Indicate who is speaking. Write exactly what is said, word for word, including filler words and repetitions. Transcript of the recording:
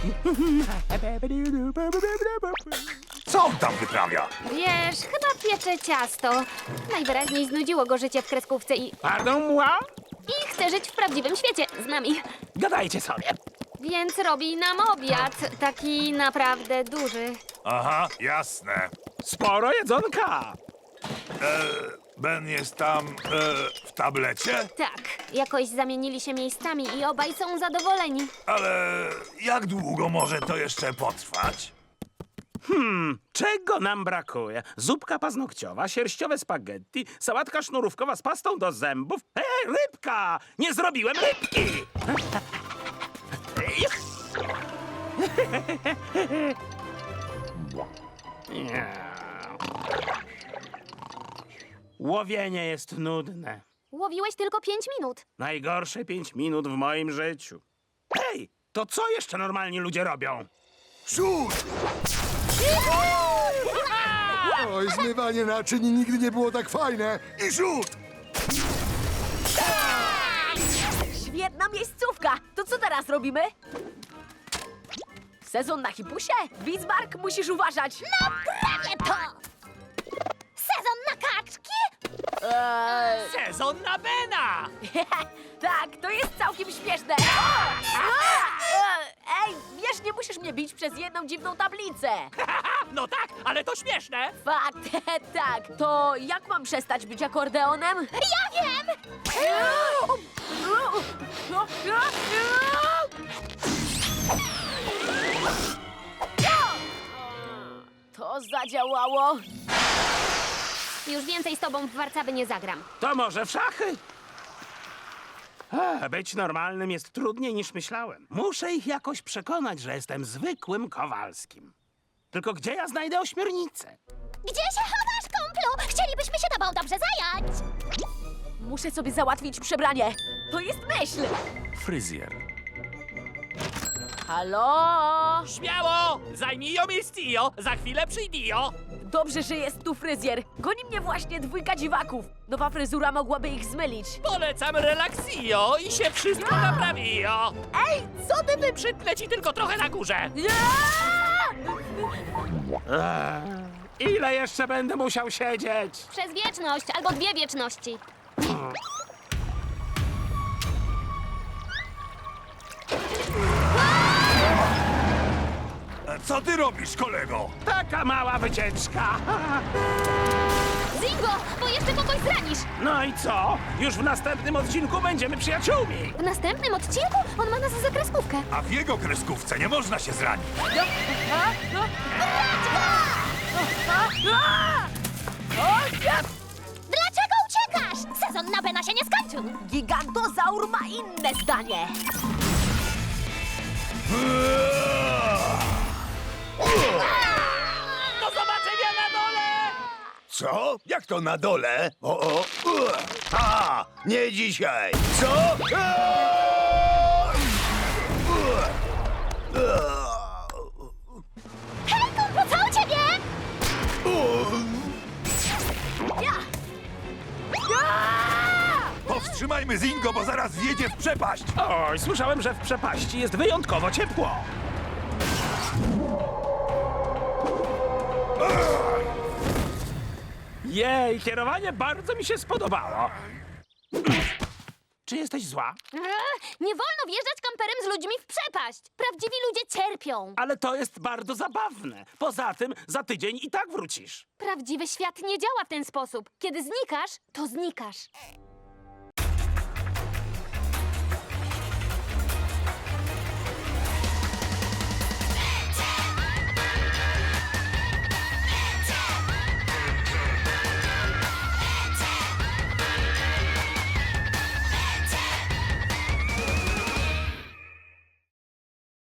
Speaker 1: Co on tam wyprawia?
Speaker 2: Wiesz, chyba piecze ciasto. Najwyraźniej znudziło go życie w kreskówce i,
Speaker 3: Pardon moi?
Speaker 2: i chce żyć w prawdziwym świecie z nami.
Speaker 3: Gadajcie sobie.
Speaker 2: Więc robi nam obiad, taki naprawdę duży.
Speaker 1: Aha, jasne.
Speaker 3: Sporo jedzonka.
Speaker 1: Ben jest tam e, w tablecie?
Speaker 2: Tak, jakoś zamienili się miejscami i obaj są zadowoleni.
Speaker 1: Ale jak długo może to jeszcze potrwać?
Speaker 3: Czego nam brakuje? Zupka paznokciowa, sierściowe spaghetti, sałatka sznurówkowa z pastą do zębów. Ej, rybka! Nie zrobiłem rybki! Łowienie jest nudne.
Speaker 2: Łowiłeś tylko pięć minut.
Speaker 3: Najgorsze pięć minut w moim życiu. Hej, to co jeszcze normalni ludzie robią?
Speaker 1: Szut!
Speaker 4: Oj, zmywanie naczyń nigdy nie było tak fajne.
Speaker 1: I rzut!
Speaker 5: Świetna miejscówka! To co teraz robimy? Sezon na hipusie? Bismarck, musisz uważać!
Speaker 2: No prawie to! Sezon na kaczki?
Speaker 5: Eee,
Speaker 6: Sezon na Bena!
Speaker 5: tak, to jest całkiem śmieszne! O! A! Ej, wiesz, nie musisz mnie bić przez jedną dziwną tablicę!
Speaker 6: No tak, ale to śmieszne!
Speaker 5: Fakt, tak, to jak mam przestać być akordeonem?
Speaker 2: Ja wiem!
Speaker 5: To zadziałało.
Speaker 2: Już więcej z tobą w warcaby nie zagram.
Speaker 3: To może w szachy? A, być normalnym jest trudniej niż myślałem. Muszę ich jakoś przekonać, że jestem zwykłym Kowalskim. Tylko gdzie ja znajdę ośmiornicę?
Speaker 2: Gdzie się chowasz, kumplu? Chcielibyśmy się tobą dobrze zająć.
Speaker 5: Muszę sobie załatwić przebranie. To jest myśl.
Speaker 1: Fryzjer.
Speaker 5: Halo?
Speaker 6: Śmiało! Zajmij miejscio, za chwilę przyjdio!
Speaker 5: Dobrze, że jest tu fryzjer. Goni mnie właśnie dwójka dziwaków. Nowa fryzura mogłaby ich zmylić.
Speaker 6: Polecam relaksio i się wszystko naprawio!
Speaker 5: Ej, co ty wy...
Speaker 6: Przytnę ci tylko trochę na górze!
Speaker 3: Eee, ile jeszcze będę musiał siedzieć?
Speaker 2: Przez wieczność albo dwie wieczności.
Speaker 1: E, Co ty robisz, kolego?
Speaker 3: Taka mała wycieczka.
Speaker 2: Zingo, bo jeszcze kogoś zranisz.
Speaker 3: No i co? Już w następnym odcinku będziemy przyjaciółmi.
Speaker 2: W następnym odcinku on ma nas za kreskówkę.
Speaker 1: A w jego kreskówce nie można się zranić.
Speaker 2: Dlaczego uciekasz? Sezon na Bena się nie skończył.
Speaker 5: Gigantozaur ma inne zdanie.
Speaker 6: Do zobaczenia na dole!
Speaker 1: Co? Jak to na dole? O, o, ua. A, nie dzisiaj. Co? Aaa! Ua. Ua.
Speaker 2: Hej, kumplu, co u ciebie?
Speaker 5: Ja!
Speaker 1: Powstrzymajmy Zingo, bo zaraz wjedzie w przepaść.
Speaker 3: Oj, słyszałem, że w przepaści jest wyjątkowo ciepło. Jej, kierowanie bardzo mi się spodobało. Czy jesteś zła?
Speaker 2: Eee, nie wolno wjeżdżać kamperem z ludźmi w przepaść. Prawdziwi ludzie cierpią.
Speaker 3: Ale to jest bardzo zabawne. Poza tym za tydzień i tak wrócisz.
Speaker 2: Prawdziwy świat nie działa w ten sposób. Kiedy znikasz, to znikasz.